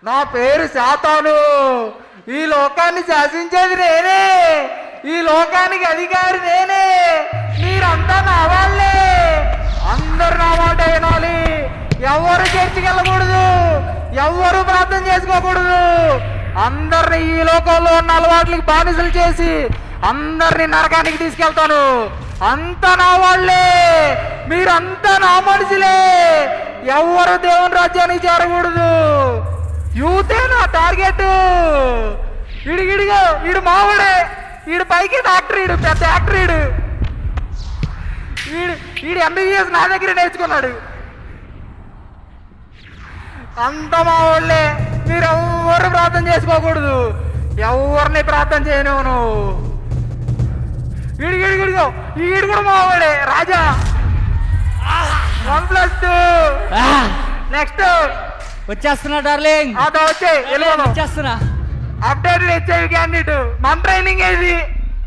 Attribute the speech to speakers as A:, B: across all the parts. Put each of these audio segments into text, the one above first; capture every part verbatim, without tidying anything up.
A: నా పేరు శాతాను. ఈ లోకాన్ని శాసించేది నేనే, ఈ లోకానికి అధికారి నేనే. మీరంతా నా వాళ్ళే, అందరు నా మాట వినాలి. ఎవరు చర్చికి వెళ్ళకూడదు, ఎవరు ప్రార్థన చేసుకోకూడదు. అందరిని ఈ లోకంలో ఉన్న అలవాట్లకి బానిసలు చేసి అందరిని నరకానికి తీసుకెళ్తాను. అంతా నా వాళ్ళే, మీరంతా నా మనుషులే. ఎవరు దేవుని రాజ్యానికి చేరకూడదు. యూతే నా టార్గెట్. ఇడిగిడిగా ఈడు మావాడే, ఈడు పైకి డాక్టర్, ఈడు పెద్ద యాక్టర్. ఈడు ఈడు ఈడు ఎంబీబీఎస్ నా దగ్గర నేర్చుకున్నాడు. అంత మా వాళ్ళే, మీరు ఎవరు ప్రార్థన చేసుకోకూడదు, ఎవరిని ప్రార్థన చేయను. ఈడు ఈడిగిడిగో ఈడు కూడా మా వాడే రాజా. One plus two. నెక్స్ట్
B: వచ్చేస్తున్నా డార్లింగ్,
A: అదో వచ్చే
B: వచ్చేస్తున్నా.
A: Updated HIV candidate. మన ట్రైనింగ్ ఏది?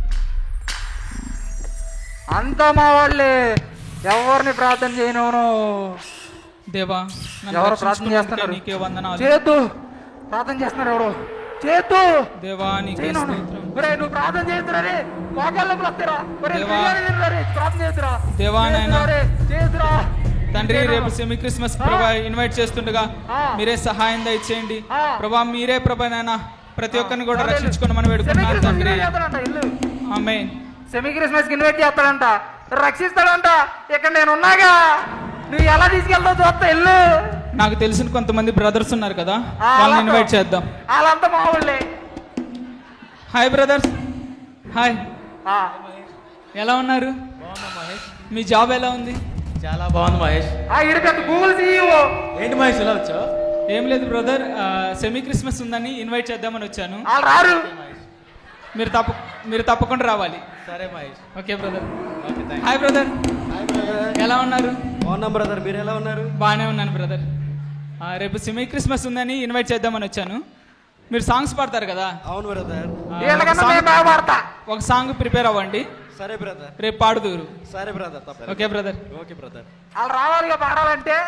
A: అంతా మా వాళ్ళే, ఎవరిని ప్రార్థన చేయను.
B: దేవా
A: ఎవరు ప్రార్థన చేస్తున్నారు?
B: నీకే వందనాలు.
A: చేతు ప్రార్థన చేస్తున్నారు. ఎవరు చేతు?
B: దేవా నీకే స్తోత్రం.
A: ఒరే నువ్వు ప్రార్థన చేస్తురా, మోకాళ్ళకు వస్తారా?
B: దేవా.
A: ప్రార్థన చేస్తురా.
B: దేవా నాయనా.
A: చేతురా
B: తండ్రి, రేపు సెమీ క్రిస్మస్ ప్రభా ఇన్వైట్ చేస్తుండగా మీరే సహాయం దయచేయండి ప్రభా. మీరే ప్రభా నాయన ప్రతి ఒక్కరిని కూడా రక్షించుకొని మనం వేడుకున్నాం తండ్రి. ఆమేన్.
A: సెమీ క్రిస్మస్ కి ఇన్వైట్ చేస్తాడంట, రక్షిస్తాడంట. ఇక్కడ నేను ఉన్నాగా, నువ్వు ఎలా తీసుకెళ్తావు చూస్తా. ఇల్లు
B: నాకు తెలిసిన కొంతమంది బ్రదర్స్ ఉన్నారు కదా, వాళ్ళని ఇన్వైట్ చేద్దాం.
A: వాళ్ళంతా మా వాళ్ళే.
B: Hi brothers. హాయ్, ఎలా ఉన్నారు? మీ జాబ్ ఎలా ఉంది?
C: చాలా బాగుంది మహేష్.
A: ఈడు పెద్ద గూగుల్ సీఈఓ.
C: ఏంటి మహేష్ ఇలా వచ్చావు?
B: ఏం లేదు బ్రదర్, సెమీ క్రిస్మస్ ఉందని ఇన్వైట్ చేద్దామని వచ్చాను.
A: వాళ్ళు రారు,
B: మీరు తప్ప మీరు తప్పకుండా రావాలి.
C: సరే Mahesh.
B: Okay brother. Hi brother, ఎలా ఉన్నారు?
C: బాగున్నాం బ్రదర్, మీరు ఎలా ఉన్నారు?
B: బాగానే ఉన్నాను బ్రదర్. రేపు సెమీ క్రిస్మస్ ఉందని ఇన్వైట్ చేద్దామని వచ్చాను. మీరు సాంగ్స్ పాడతారు కదా?
C: అవును బ్రదర్.
B: ఒక సాంగ్ ప్రిపేర్ అవ్వండి.
C: సరే బ్రదర్.
B: రేపు పాడుదురు.
C: సరే brother.
B: Okay brother.
C: Okay brother.
A: వాళ్ళు రావాలిగా పాడాలంటే.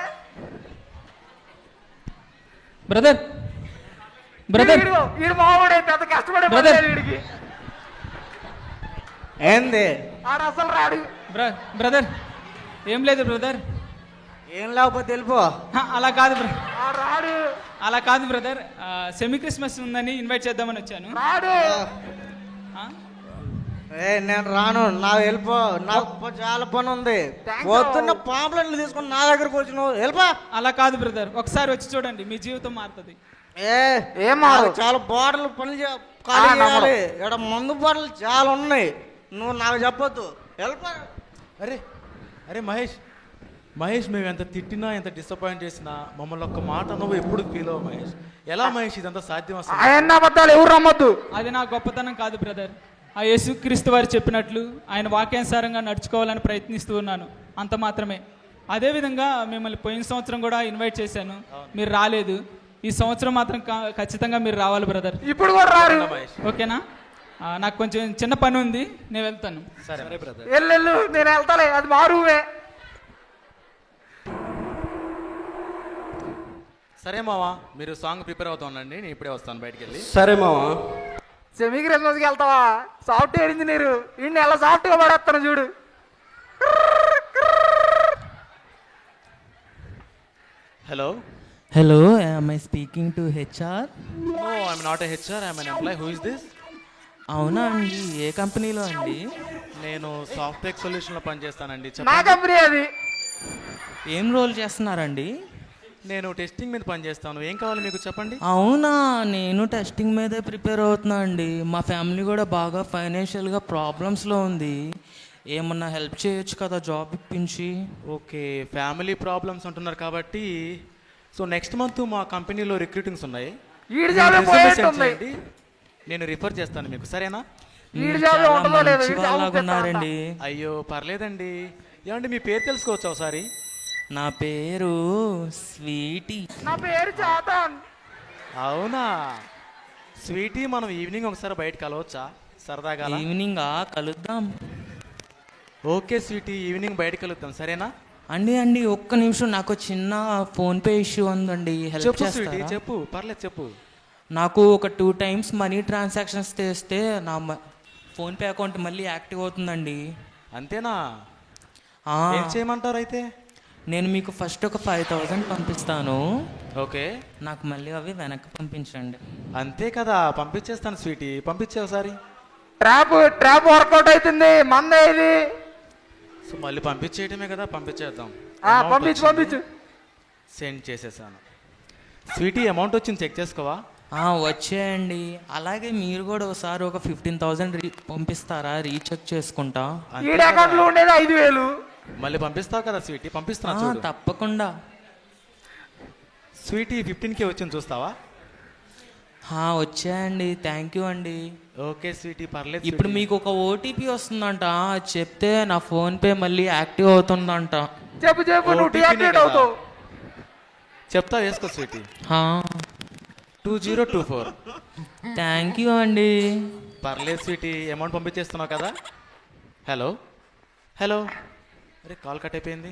B: బ్రదర్ బ్రదర్
A: వీడు మావాడే, పెద్ద కష్టపడే
B: బ్రదర్.
A: వీడికి
C: ఏంది
A: ఆడ అసలు రాడు.
B: బ్రదర్ ఏం లేదు బ్రదర్.
C: ఏం లేకపోతే వెళ్ళిపో.
B: అలా కాదు బ్రదర్,
A: ఆడ రాడు.
B: అలా కాదు బ్రదర్. సెమీ క్రిస్మస్ ఉందని ఇన్వైట్ చేద్దామని వచ్చాను.
A: రాడు.
C: ఏ నేను రాను, నా వెళ్ళిపో. నాకు చాలా పని ఉంది. పొద్దున్న పాంప్లెట్లు తీసుకుని నా దగ్గరకు వచ్చి నువ్వు వెళ్ళిపో.
B: అలా కాదు బ్రదర్, ఒకసారి వచ్చి చూడండి, మీ జీవితం మారుతుంది.
C: ఏ
A: ఏం మారు?
C: చాలా బాటలు పనులు చేయాలి. ఇక్కడ మందు బాటలు చాలా ఉన్నాయి, నువ్వు నాకు చెప్పొద్దు. వెళ్ళిపో.
D: అరే అరే మహేష్ మహేష్ మేము ఎంత తిట్టినా ఎంత డిసప్పాయింట్ చేసినా మమ్మల్ని ఒక్క మాట నువ్వు ఎప్పుడు ఫీల్ అవ్వ మహేష్. ఎలా మహేష్ ఇదంతా సాధ్యం? అసలు
A: ఆయన అబద్ధాలు ఎవరు నమ్మొద్దు.
B: అది నా గొప్పతనం కాదు బ్రదర్. ఆ యేసుక్రీస్తు వారు చెప్పినట్లు ఆయన వాక్యానుసారంగా నడుచుకోవాలని ప్రయత్నిస్తూ ఉన్నాను, అంత మాత్రమే. అదేవిధంగా మిమ్మల్ని పోయిన సంవత్సరం కూడా ఇన్వైట్ చేశాను, మీరు రాలేదు. ఈ సంవత్సరం మాత్రం ఖచ్చితంగా మీరు రావాలి బ్రదర్.
A: ఇప్పుడు కూడా రారు.
B: ఓకేనా? నాకు కొంచెం చిన్న పని ఉంది, నేను వెళ్తాను.
D: సరే బ్రదర్.
A: వెళ్ళు, నేను వెళ్తాలే, అది మారువే.
D: సరే మావా, మీరు సాంగ్ ప్రిపేర్ అవుతా ఉండండి, నేను ఇప్పుడే వస్తాను బయటికి వెళ్ళి.
C: సరే మావా.
A: సెమీ క్రిస్మస్కి వెళ్తావా? సాఫ్ట్వేర్ ఇంజనీర్ ఇన్ని ఎలా సాఫ్ట్గా పడేస్తాను చూడు.
D: Hello
E: hello, am I speaking to H R?
D: No, I'm not a HR, I'm an employee. Who is this?
E: అవునా అండి, ఏ కంపెనీలో అండి?
D: నేను సాఫ్ట్వేర్ సొల్యూషన్లో పనిచేస్తానండి.
A: నా కంపెనీ అది.
E: ఏం రోల్ చేస్తున్నారండి?
D: నేను టెస్టింగ్ మీద పనిచేస్తాను. ఏం కావాలి మీకు చెప్పండి.
E: అవునా, నేను టెస్టింగ్ మీదే ప్రిపేర్ అవుతున్నా అండి. మా ఫ్యామిలీ కూడా బాగా ఫైనాన్షియల్గా ప్రాబ్లమ్స్లో ఉంది, ఏమన్నా హెల్ప్ చేయొచ్చు కదా జాబ్ ఇప్పించి?
D: ఓకే, ఫ్యామిలీ ప్రాబ్లమ్స్ అంటున్నారు కాబట్టి సో నెక్స్ట్ మంత్ మా కంపెనీలో రిక్రూటింగ్స్ ఉన్నాయి.
A: ఈడు జాబే పోయేట్టుంది.
D: నేను రిఫర్ చేస్తాను మీకు, సరేనా?
A: ఈడు జాబే ఉంటుందో లేదో, ఈడు జాబ్
E: వాళ్ళగా ఉన్నారండి.
D: అయ్యో పర్లేదండి. ఏమండి మీ పేరు తెలుసుకోవచ్చు ఒకసారి?
E: నా పేరు స్వీటీ.
A: నా పేరు చాతాన్.
D: అవునా స్వీటీ, మనం ఈవినింగ్ ఒకసారి బయట కలవచ్చా సరదాగా?
E: ఈవినింగ్ కలుద్దాం.
D: ఓకే స్వీటీ, ఈవినింగ్ బయట కలుద్దాం, సరేనా?
E: అండి అండి ఒక్క నిమిషం, నాకు చిన్న ఫోన్పే ఇష్యూ ఉందండి, హెల్ప్
D: చెప్పు స్వీటీ
E: చేస్తారా?
D: చెప్పు, పర్లేదు చెప్పు.
E: నాకు ఒక టూ టైమ్స్ మనీ ట్రాన్సాక్షన్స్ చేస్తే నా మ- ఫోన్పే అకౌంట్ మళ్ళీ యాక్టివ్ అవుతుందండి.
D: అంతేనా?
E: ఆ,
D: ఏం చేయమంటారు అయితే?
E: నేను మీకు ఫస్ట్ ఒక ఫైవ్ థౌజండ్ పంపిస్తాను,
D: ఓకే,
E: నాకు మళ్ళీ అవి వెనక్కి పంపించండి.
D: అంతే కదా, పంపించేస్తాను స్వీటీ, పంపించే ఒకసారి.
A: ట్రాప్ ట్రాప్ వర్కౌట్ అవుతుంది, మందే ఇది.
D: సో మళ్ళీ పంపించేయటమే కదా, పంపించేద్దాం.
A: ఆ, పంపించు పంపించు.
D: సెండ్ చేసేసాను. స్వీటీ అమౌంట్ వచ్చింది, చెక్ చేసుకోవా?
E: ఆ, వచ్చేయండి. అలాగే మీరు కూడా ఒకసారి ఒక ఫిఫ్టీన్ థౌజండ్ రీ పంపిస్తారా, రీచెక్ చేసుకుంటా?
D: అంతే
A: ఈడ
D: కదా.
A: అకౌంట్ లో ఉండేది ఐదు వేలు.
D: మళ్ళీ పంపిస్తావు కదా స్వీటీ,
E: ఆ,
D: పంపిస్తున్నా చూడు.
E: తప్పకుండా.
D: స్వీటీ ఫిఫ్టీన్ కే వచ్చింది, చూస్తావా?
E: ఆ, వచ్చేయండి, థ్యాంక్ యూ అండి.
D: ఓకే స్వీటీ, పర్లేదు.
E: ఇప్పుడు
D: స్వీటీ.
E: మీకు ఒక ఓటీపీ వస్తుందంట, అది చెప్తే నా ఫోన్పే మళ్ళీ యాక్టివ్ అవుతుందంట.
A: చెప్పు చెప్పు, నువ్వు
D: O T P నే
A: డియాక్టివేట్
D: కదా.
A: అవుతావు.
D: చెప్తా, వేసుకో స్వీటీ.
E: ఆ,
D: two zero two four.
E: Thank you అండి.
D: పర్లేదు స్వీటీ, అమౌంట్ పంపించేస్తున్నావు కదా. హలో హలో, అరే కాల్ కట్ అయిపోయింది,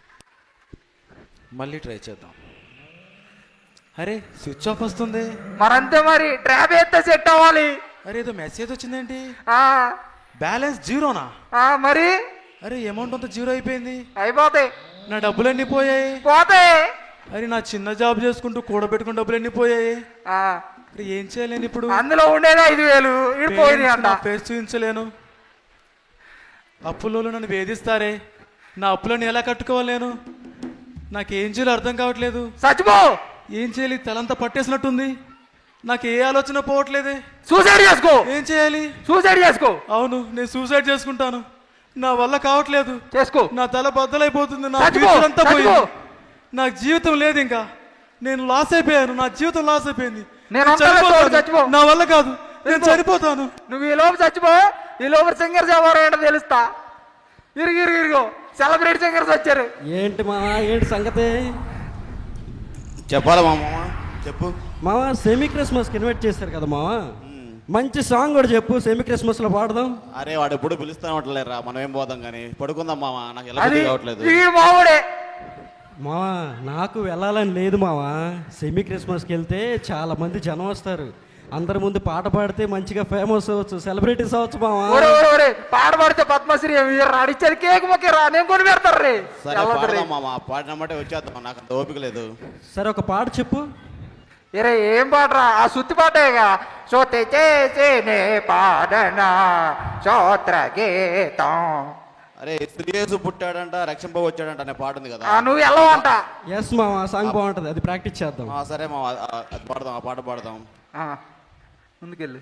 D: మళ్ళీ ట్రై చేద్దాం. అరే స్విచ్ ఆఫ్ వస్తుంది.
A: మరంతే మరి, ట్రాప్ వేస్తే సెట్ అవ్వాలి.
D: అరే ఏదో మెసేజ్ వచ్చిందేంటి,
A: ఆ,
D: బ్యాలెన్స్ జీరోనా?
A: ఆ, మరి
D: అరే అమౌంట్ అంతా జీరో అయిపోయింది,
A: అయిపోతాయి,
D: నా డబ్బులన్నీ పోయాయి.
A: పోతాయి.
D: అరే నా చిన్న జాబ్ చేసుకుంటూ కూడబెట్టుకున్న డబ్బులన్నీ పోయాయి.
A: ఆ,
D: అరే ఏం చేయలేను ఇప్పుడు,
A: అందులో ఉండేది ఐదు వేలు ఇటు పోయింది అంట.
D: ఫేస్ చూపించలేను. అప్పులో నన్ను వేధిస్తారే, నా అప్పులను ఎలా కట్టుకోవాలి నేను? నాకేం చేయాలో అర్థం కావట్లేదు.
A: చచ్చిపో,
D: ఏం చేయాలి, తలంతా పట్టేసినట్టుంది, నాకు ఏ ఆలోచన పోవట్లేదే.
A: సూసైడ్ చేసుకో,
D: ఏం చేయాలి?
A: సూసైడ్ చేసుకో,
D: అవును, నేను సూసైడ్ చేసుకుంటాను, నా వల్ల కావట్లేదు.
A: చేసుకో.
D: నా తల బద్దలైపోతుంది, నా
A: చచ్చిపో,
D: ఫ్యూచర్ అంతా
A: చచ్చిపో.
D: పోయింది, నాకు జీవితం లేదు ఇంకా, నేను లాస్ అయిపోయాను, నా జీవితం లాస్ అయిపోయింది.
A: నేను
D: నేను
A: ఉంటాను,
D: చనిపోతాను.
A: చచ్చిపో.
D: నా వల్ల కాదు, నేను
A: చచ్చిపో.
D: చనిపోతాను.
A: నువ్వు ఈ లోపు చచ్చిపో, ఈ లోపు సింగర్స్ ఎవరు ఏంటో తెలుస్తా. ఇరుగు ఇరుగు ఇరుగు, సెలబ్రిటీ సింగర్స్ వచ్చారు.
F: ఏంటి మావా, ఏంటి సంగతి?
G: చెప్పాలా మా మామ, చెప్పు.
F: మావా సెమీ క్రిస్మస్కి ఇన్వైట్ చేశారు కదా మావా, మంచి సాంగ్ కూడా చెప్పు, సెమీ క్రిస్మస్లో పాడదాం.
G: అరే వాడు ఎప్పుడు పిలుస్తానే ఉంటలేరా, మనం ఏం పోదాం కానీ పడుకుందాం మామ, నాకు ఎలా
A: అది
G: బుద్ధి కావట్లేదు.
A: ఈ మావుడే.
F: మావా నాకు వెళ్ళాలని లేదు మావా, సెమీ క్రిస్మస్కి వెళ్తే చాలా మంది జనం వస్తారు, అందరి ముందు పాట పాడితే మంచిగా ఫేమస్ అవ్వచ్చు, సెలబ్రిటీస్ అవ్వచ్చు మావా.
A: ఒరే ఒరే ఒరే, పాట పాడితే పద్మశ్రీ రాడిచ్చారు, కేక్ మొక్కిరా, నేను కొని పెడతారు రే.
G: సరే పాడదాం మామ, పాడినమ్మంటే వచ్చేద్దాం, నాకు అంత ఓపిక లేదు.
F: సరే ఒక పాట చెప్పు.
A: ఇరే ఏం పాటరా, ఆ సుత్తి పాటేగా. సోతే చేసేనే పాడనా స్తోత్ర గీతం.
G: అరే శ్రీయేసు పుట్టాడంట, రక్షంప వచ్చాడంట అనే పాట ఉంది కదా.
A: ఆ, నువ్వు వెళ్ళవంట.
F: ఎస్ మావా, సాంగ్ బాగుంటుంది, అది ప్రాక్టీస్ చేద్దాం.
G: ఆ, సరే మామ, ఆ, అది పాడదాం, ఆ పాట పాడదాం.
A: ఆ, ముందుకెళ్ళి.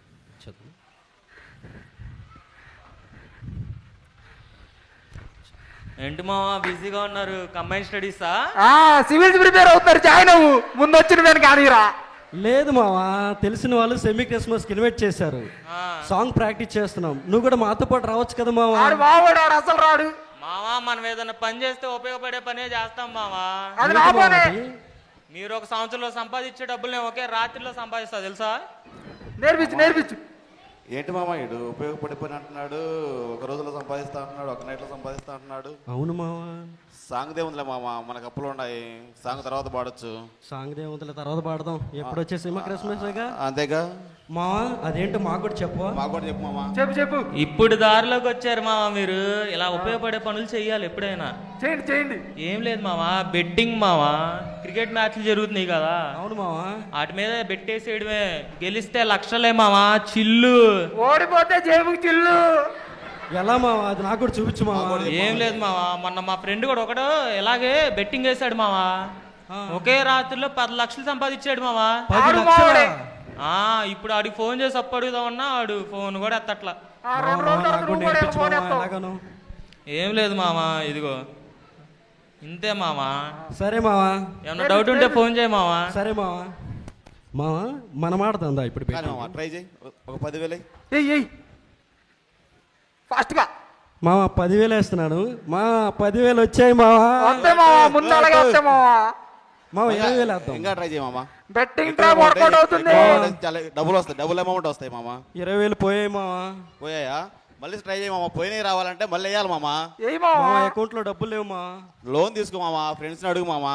E: ఏంటి మావా బిజీగా ఉన్నారు, కంబైన్ స్టడీసా?
A: ఆ, సివిల్స్ ప్రిపేర్ అవుతారు, జాయిన్ అవ్వు, ముందు వచ్చిన దాన్ని కానీరా.
F: లేదు మావా, తెలిసిన వాళ్ళు సెమీ క్రిస్మస్కి ఇన్వైట్ చేశారు,
E: ఆ.
F: సాంగ్ ప్రాక్టీస్ చేస్తున్నాం, నువ్వు కూడా మాతో పాటు రావచ్చు కదా మావా.
A: ఆడు మావాడు, ఆడు అసలు రాడు.
E: మావా మనం ఏదైనా పని చేస్తే ఉపయోగపడే పనే చేస్తాం మావా.
A: అది
F: ఏంటి మావా
A: రాబోనే.
F: అది?
E: మీరు ఒక సంవత్సరంలో సంపాదించే డబ్బులు నేను ఒకే రాత్రిలో సంపాదిస్తా తెలుసా?
A: నేర్పించు నేర్పించు.
G: ఏంటి మామ ఇడు ఉపయోగపడిపోయిన అంటున్నాడు, ఒక రోజులో సంపాదిస్తా అంటున్నాడు, ఒక నైట్లో సంపాదిస్తా అంటున్నాడు.
F: అవును మావా,
G: సాంగ్ దేవుందిలే మామ, మనకు అప్పులు ఉన్నాయి, సాంగ్ తర్వాత పాడొచ్చు.
F: సాంగ్ దేవుతుల తర్వాత పాడదాం, ఎప్పుడు వచ్చే సినిమా క్రిస్మస్గా.
G: అంతేగా
F: మావా అదేంటో మాకు కూడా చెప్పవా.
G: మాకు కూడా చెప్పు మామ.
A: చెప్పు చెప్పు.
E: ఇప్పుడు దారిలోకి వచ్చారు మావా మీరు, ఇలా ఉపయోగపడే పనులు చెయ్యాలి ఎప్పుడైనా.
A: చేయండి చేయండి.
E: ఏం లేదు మావా, బెట్టింగ్ మావా, క్రికెట్ మ్యాచ్లు జరుగుతున్నాయి కదా,
F: అవును మావా,
E: వాటి మీద బెట్టేసేయడమే, గెలిస్తే లక్షలే మావా, చిల్లు.
A: ఓడిపోతే జేబుకి చిల్లు.
F: ఎలా మావా, అది నాకు కూడా చూపించు మావా.
E: ఏం లేదు మావా, మొన్న మా ఫ్రెండ్ కూడా ఒకడు ఇలాగే బెట్టింగ్ వేసాడు మావా, ఒకే రాత్రిలో పది లక్షలు సంపాదించాడు మావా.
F: పది
A: ఆడు
F: లక్షలా?
A: మావాడే.
E: ఆ ఇప్పుడు ఆడికి ఫోన్ చేసి అప్పు అడుగుదామన్నా ఆడు ఫోన్ కూడా ఎత్తట్లా.
A: ఆ, రెండు
F: మావా,
A: రోజుల తర్వాత
F: నాకు కూడా
A: నువ్వు కూడా
F: నేర్పించు
A: ఫోన్
F: మావా,
A: ఎత్తావు.
F: ఎలాగనో.
E: ఏం లేదు మావా, ఇదిగో ఇంతే మావా,
F: సరే మావా,
E: ఏమన్నా డౌట్ ఉంటే ఫోన్ చేయి మావా.
F: సరే మావా. మావా మనం ఆడుతుందా ఇప్పుడు
G: కానీ
F: పెట్టి?
G: మామ ట్రై చేయి, ఒక పదివేలు అయ్యి.
A: ఎయ్ ఎయ్ ఫాస్ట్గా
F: మావా పదివేలు వేస్తున్నాడు, మా పదివేలు వచ్చాయి మావా.
A: వస్తే మావా, ముందు అలాగే వస్తే మావా.
F: మావా ఇరవై వేలు వేద్దాం.
G: ఇంకా ట్రై చేయి మామ.
A: బెట్టింగ్
G: ఎక్కువ
A: ట్రాప్
G: amount
A: వర్కౌట్
G: అయ్యి-
A: అవుతుంది.
G: ఎక్కువ amount అయ్యి చాలా డబ్బులు వస్తాయి, డబుల్ అమౌంట్ వస్తాయి మామ.
F: ఇరవై వేలు పోయాయి మావా.
G: పోయాయా? మళ్ళీ ట్రై చేయి మామ. పోయినవి రావాలంటే మళ్ళీ వేయాలి మామ.
A: ఏయ్
F: మా
A: మావా
F: అకౌంట్లో డబ్బులు లేవు మా
G: లోన్ తీసుకో మామ, ఫ్రెండ్స్ని అడుగు మామ.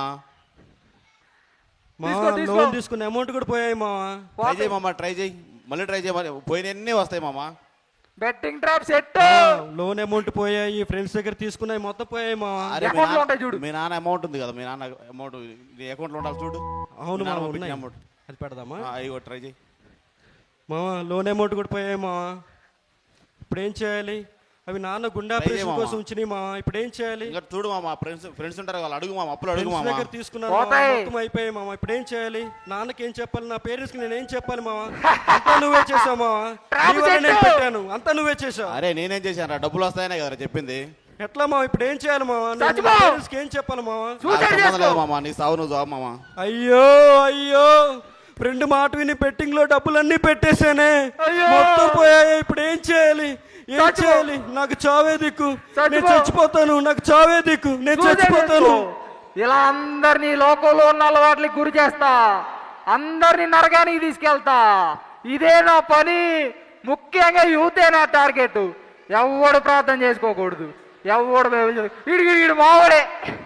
F: మా
A: తీసుకో, తీసుకో.
F: లోన్ తీసుకున్న అమౌంట్ కూడా పోయాయి మా
G: ట్రై చేయి మామ, ట్రై చేయి, మళ్ళీ ట్రై చేయి. పోయినవన్నీ వస్తాయి మామ.
A: Betting trap set
F: loan amount పోయాయి, ఫ్రెండ్స్ దగ్గర తీసుకున్నాయి, మొత్తం పోయాయి మా
G: అరే మీ
A: అకౌంట్లో
G: నాన్న-
A: ఉంటాయి చూడు.
G: మీ నాన్న అమౌంట్ ఉంది కదా, మీ నాన్న అమౌంట్ నీ అకౌంట్లో ఉండాలి చూడు.
F: అవును
G: మీ నాన్న
F: మా
G: పంపించిన
F: ఉన్నాయి.
G: అమౌంట్
F: అది పెడదామా
G: అయ్యో ట్రై చేయి.
F: మావా లోన్ అమౌంట్ కూడా పోయాయి మావా. ఇప్పుడు ఏం చేయాలి? అవి నాన్న గుండె ఆపరేషన్ కోసం ఉంచినాయి మావా. ఇప్పుడు ఏం చేయాలి?
G: ఇంకా చూడు మామ, ఫ్రెండ్స్ ఫ్రెండ్స్ ఉంటారు వాళ్ళు అడుగు మామ, అప్పులు అడుగు
F: ఫ్రెండ్స్
G: మామ.
F: దగ్గర తీసుకున్నాను మావా,
A: పోతాయి.
F: మొత్తం అయిపోయాయి మావా. ఇప్పుడు ఏం చేయాలి? నాన్నకి ఏం చెప్పాలి? నా పేరెంట్స్ కి నేను ఏం చెప్పాలి మావా? అంతా నువ్వే చేసావు మావా.
A: ట్రాప్
F: నీ వల్ల నేను
A: చెట్టు.
F: పెట్టాను, అంతా నువ్వే చేసావు.
G: అరే నేనేం చేశాను రా, డబ్బులు వస్తాయనే కదా చెప్పింది.
F: ఎట్లా మావా? ఇప్పుడు ఏం చేయాలి మావా? నేను
A: చచ్చిపో.
F: నా పేరెంట్స్ కి ఏం చెప్పాలి మావా?
G: నాకు
A: సూసైడ్
G: సంబంధం
A: చేసుకో
G: లేదు మామ, నీ సావు నువ్వు జాబ్ మామ.
F: అయ్యో అయ్యో ఫ్రెండ్ మాట విని బెట్టింగ్ లో డబ్బులన్నీ పెట్టేశానే,
A: అయ్యో.
F: మొత్తం పోయాయి. ఇప్పుడు ఏం చేయాలి? ఏం
A: చచ్చిపో.
F: చేయాలి? నాకు చావే దిక్కు, నేను
A: చచ్చిపో.
F: చచ్చిపోతాను. నాకు చావే దిక్కు, నేను
A: సూసైడ్
F: చచ్చిపోతాను.
A: చేసుకో. ఇలా అందరినీ లోకంలో ఉన్న అలవాట్లకి గురి చేస్తా, అందరినీ నరకానికి తీసుకెళ్తా. ఇదే నా పని. ముఖ్యంగా యూతే నా టార్గెట్. ఎవడు ప్రార్థన చేసుకోకూడదు, ఎవడు ఇడిగి ఇడు మావాడే.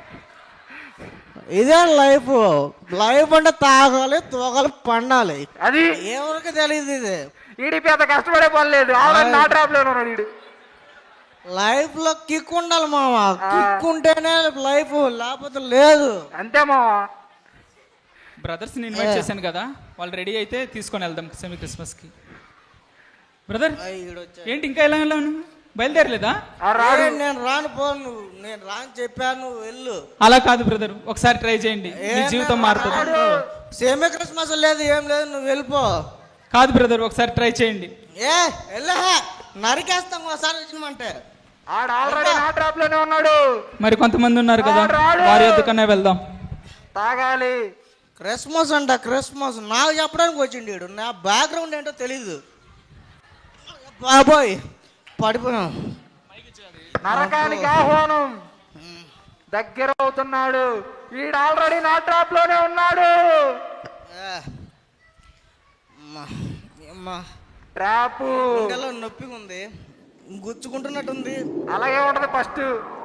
C: ఇదే లైఫ్. లైఫ్ అంటే తాగాలి, తోగాలి, పండాలి.
A: అది
C: ఎవరికి తెలియదు ఇది.
A: ఈడి పెద్ద కష్టపడే పని లేదు. ఆల్రెడీ నా ట్రాప్ లో ఉన్నాడు ఈడు.
C: లైఫ్ లో కిక్ ఉండాలి మామ. కిక్ ఉంటేనే లైఫ్, లేకపోతే లేదు.
A: అంతే మావా.
B: బ్రదర్స్ని ఇన్వైట్ చేశాను కదా, వాళ్ళు రెడీ అయితే తీసుకొని వెళ్దాం సెమీ క్రిస్మస్కి. బ్రదర్ ఏంటి ఇంకా ఎలా వెళ్ళాను? బయలుదేరలేదా?
A: ఆ రాడు.
C: ఏ, నేను రాను పో, నువ్వు నేను రాను చెప్పాను, నువ్వు వెళ్ళు.
B: అలా కాదు బ్రదర్, ఒకసారి ట్రై చేయండి, మీ జీవితం మారుతుంది.
C: సేమే క్రిస్మస్ లేదు, ఏం లేదు, నువ్వు వెళ్ళిపో.
B: కాదు బ్రదర్, ఒకసారి ట్రై చేయండి.
C: ఏ వెళ్ళే, నరికేస్తాం ఒకసారి వచ్చినమంటే.
A: ఆడు ఆల్రెడీ నా ట్రాప్ లోనే ఉన్నాడు.
B: మరి కొంతమంది ఉన్నారు కదా, వారి వద్దకనే వెళ్దాం.
A: తాగాలి.
C: క్రిస్మస్ అంట, క్రిస్మస్ నాకు చెప్పడానికి వచ్చిండు వీడు. నా బ్యాక్గ్రౌండ్ ఏంటో తెలీదు. బాబోయ్ పడిపోయాం.
A: నరకానికి ఆహ్వానం దగ్గర అవుతున్నాడు. వీడు ఆల్రెడీ నా ట్రాప్ లోనే ఉన్నాడు.
C: ఏ, అమ్మా, అమ్మా.
A: ట్రాప్
C: గుండెలో నొప్పిగా ఉంది, గుచ్చుకుంటున్నట్టుంది.
A: అలాగే ఉంటది ఫస్ట్.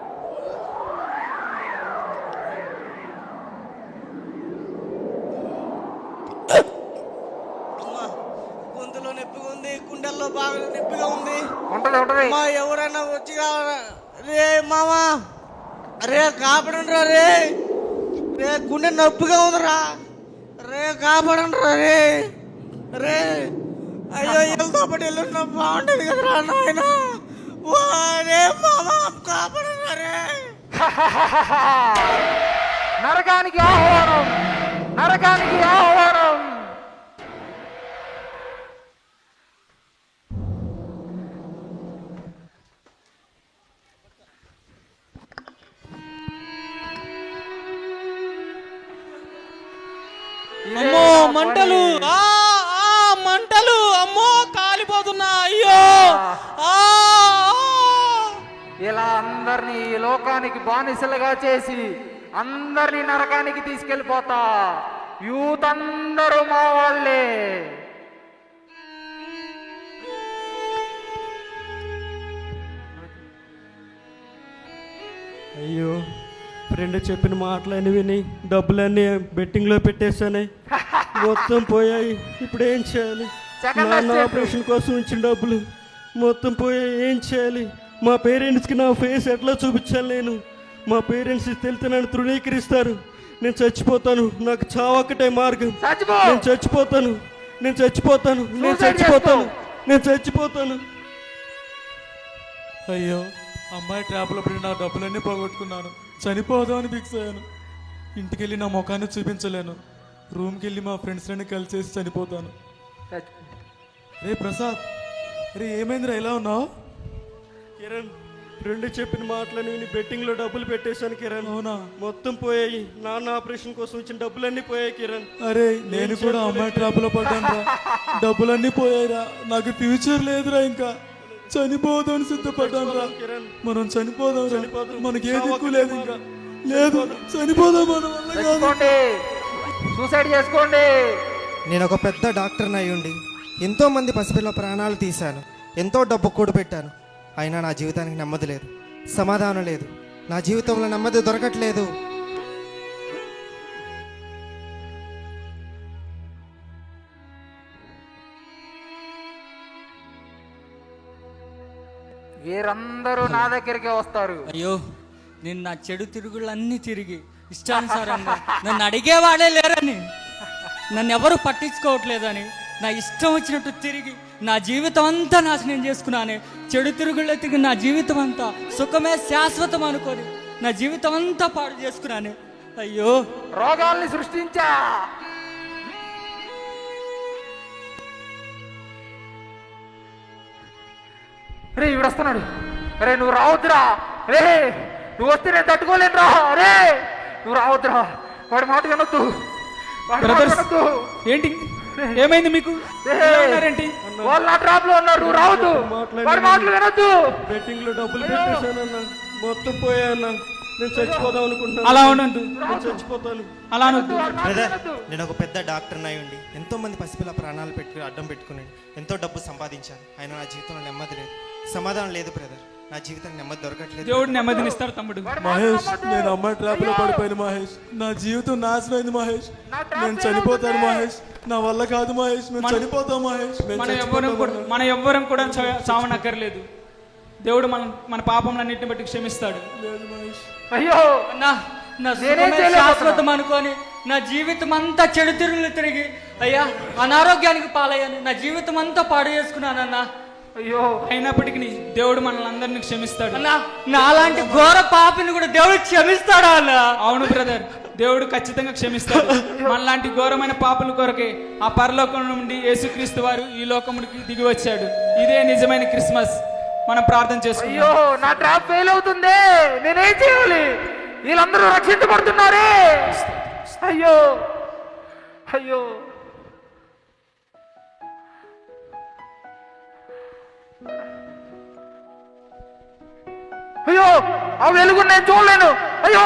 C: అమ్మా, గొంతులో నొప్పిగా ఉంది, గుండెల్లో బాగా నొప్పిగా ఉంది.
A: ఉంటది ఉంటది.
C: అమ్మా ఎవరైనా వచ్చి కావాలా? రే మామా, రే కాపాడండిరా రే. రే గుండె నొప్పిగా ఉందిరా రే, కాపాడండిరా రే. రే అయ్యో వెళ్తా పడి వెళ్ళున్నా బాగుంటది కదరా నాయన. రే మామా కాపాడండిరా రే.
A: నరకానికి ఆహ్వానం, నరకానికి ఆహ్వానం.
E: అమ్మో మంటలు, ఆ ఆ మంటలు, అమ్మో కాలిపోతున్నా, అయ్యో. ఆ, ఆ.
A: ఇలా అందరినీ ఈ లోకానికి బానిసలుగా చేసి అందరినీ నరకానికి తీసుకెళ్ళిపోతా. యూత్ అందరూ మా వాళ్ళే.
F: అయ్యో ఫ్రెండ్ చెప్పిన మాటలన్నీ విని డబ్బులన్నీ బెట్టింగ్లో పెట్టేశానే, మొత్తం పోయాయి. ఇప్పుడు ఏం చేయాలి?
A: Second
F: నాన్న
A: step.
F: ఆపరేషన్ కోసం ఇచ్చిన డబ్బులు మొత్తం పోయాయి. ఏం చేయాలి? మా పేరెంట్స్కి నా ఫేస్ ఎట్లా చూపించాలి? నేను మా పేరెంట్స్ తెలితే నన్ను తృణీకరిస్తారు. నేను చచ్చిపోతాను, నాకు చావక్కటే మార్గం.
A: చచ్చిపో.
F: నేను చచ్చిపోతాను, నేను చచ్చిపోతాను, నేను
A: Suicide
F: చచ్చిపోతాను,
A: చేసుకో.
F: నేను చచ్చిపోతాను.
D: అయ్యో అమ్మాయి ట్రాప్లో పడి నా డబ్బులన్నీ పోగొట్టుకున్నాను. చనిపోదామని ఫిక్స్ అయ్యాను. ఇంటికి వెళ్ళి నా ముఖాన్ని చూపించలేను. రూమ్కి వెళ్ళి మా ఫ్రెండ్స్ని కలిసేసి చనిపోతాను. రే ప్రసాద్, రే ఏమైందిరా ఇలా ఉన్నావు?
F: కిరణ్ ఫ్రెండ్ చెప్పిన మాటలని విని బెట్టింగ్లో డబ్బులు పెట్టేశాను కిరణ్.
D: అవునా?
F: మొత్తం పోయాయి. నాన్న ఆపరేషన్ కోసం వచ్చిన డబ్బులన్నీ పోయాయి కిరణ్.
D: అరే నేను కూడా అమ్మాయి ట్రాప్లో పడ్డాను రా, డబ్బులన్నీ పోయాయిరా. నాకు ఫ్యూచర్ లేదురా, ఇంకా చనిపోదాం సిద్ధపడ్డాను రా. మనం చనిపోదాం రా,
F: చనిపోదాం.
D: మనకి ఏ దిక్కు లేదు, ఇంకా లేదు, చనిపోదాం మన వల్ల కాదు.
A: చచ్చిపోండి, సూసైడ్ చేసుకోండి.
H: నేను ఒక పెద్ద డాక్టర్ని అయ్యుండి ఎంతో మంది పసిపిల్ల ప్రాణాలు తీశాను, ఎంతో డబ్బు కూడబెట్టాను. అయినా నా జీవితానికి నెమ్మది లేదు, సమాధానం లేదు. నా జీవితంలో నెమ్మది దొరకట్లేదు.
A: వీరందరూ నా దగ్గరికే వస్తారు.
I: అయ్యో, నేను నా చెడు తిరుగుళ్ళన్నీ తిరిగి ఇష్టానుసారంగా నన్ను అడిగేవాడే లేరని, నన్ను ఎవరు పట్టించుకోవట్లేదని నా ఇష్టం వచ్చినట్టు తిరిగి నా జీవితం అంతా నాశనం చేసుకున్నానే. చెడు తిరుగుళ్ళ తిరిగి నా జీవితం అంతా సుఖమే శాశ్వతం అనుకొని నా జీవితం అంతా పాడు చేసుకున్నానే. అయ్యో,
A: రోగాల్ని సృష్టించా. రే ఇవిడు వస్తున్నాడు. రే నువ్వు రావద్దురా. రే నువ్వు వస్తే నేను తట్టుకోలేను రా. రే నువ్వు రావద్దురా. వాడి మాట వినొద్దు. వాడి మాట
B: బ్రదర్స్
A: వినొద్దు.
B: ఏంటి ఏమైంది మీకు? ఇలా ఉన్నారేంటి?
A: వాళ్ళు నా ట్రాప్ లో ఉన్నారు. నువ్వు రావద్దు. వాడి మాటలు వినొద్దు.
F: బెట్టింగ్ లో డబ్బులు పెట్టేశానన్నా, మొత్తం పోయాన్నా. నేను చచ్చిపోదాం అనుకుంటున్నాను.
B: అలా ఉండొద్దు,
F: నేను చచ్చిపోతాను.
B: అలా అనొద్దు.
H: బ్రదర్, నేను ఒక పెద్ద డాక్టర్ అయి ఉండి ఎంతో మంది పసిపిల్ల ప్రాణాలు పెట్టుకుని అడ్డం పెట్టుకుని ఎంతో డబ్బు సంపాదించాను. అయినా నా జీవితంలో నెమ్మది లేదు, సమాధానం లేదు బ్రదర్. నా జీవితం నెమ్మది దొరకట్లేదు.
B: దేవుడు నెమ్మదినిస్తాడు తమ్ముడు.
D: మహేష్, నేను అమ్మాయి ట్రాప్ లో పడిపోయాను మహేష్. నా జీవితం నాశనం అయింది మహేష్. నేను చనిపోతాను మహేష్. నా వల్ల కాదు మహేష్. మేము చనిపోతాం మహేష్. మేము
B: మన ఎవ్వరం
D: చచ్చిపోతాం
B: కూడా మన ఎవ్వరం కూడా చా- చావనక్కర్లేదు. దేవుడు మన మన పాపంలన్నింటిని బట్టి క్షమిస్తాడు.
D: లేదు మహేష్.
A: అయ్యో
I: నా నా
A: నేనేం
I: సుఖమే
A: చేయలేకపోతున్నా.
I: శాశ్వతం అనుకొని నా జీవితం అంతా చెడు తిరుగులు తిరిగి అయ్యా అనారోగ్యానికి పాలయ్యాను. నా జీవితం అంతా పాడు చేసుకున్నానన్నా.
A: అయ్యో
B: అయినప్పటికీ దేవుడు మనల్ని అందరినీ క్షమిస్తాడు.
I: అన్నా, నాలాంటి ఘోర పాపిని కూడా దేవుడు క్షమిస్తాడా అన్నా?
B: అవును బ్రదర్, దేవుడు ఖచ్చితంగా క్షమిస్తాడు. మనలాంటి ఘోరమైన పాపుల కొరకే ఆ పరలోకం నుండి యేసుక్రీస్తు వారు ఈ లోకముడికి దిగి వచ్చాడు. ఇదే నిజమైన క్రిస్మస్. మనం ప్రార్థన చేసుకుందాం.
A: అయ్యో నా ట్రాప్ ఫెయిల్ అవుతుంది. నేనేం చేయాలి? వీళ్ళందరూ రక్షించబడుతున్నారే. అయ్యో అయ్యో అయ్యో ఆ వెలుగు నేను చూడలేను. అయ్యో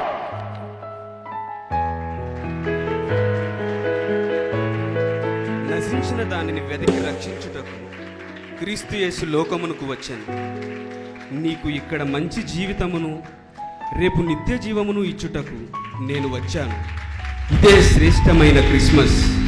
J: నశించిన దానిని వెతికి రక్షించుటకు క్రీస్తు యేసు లోకమునకు వచ్చాను. నీకు ఇక్కడ మంచి జీవితమును రేపు నిత్య జీవమును ఇచ్చుటకు నేను వచ్చాను. ఇదే శ్రేష్టమైన క్రిస్మస్.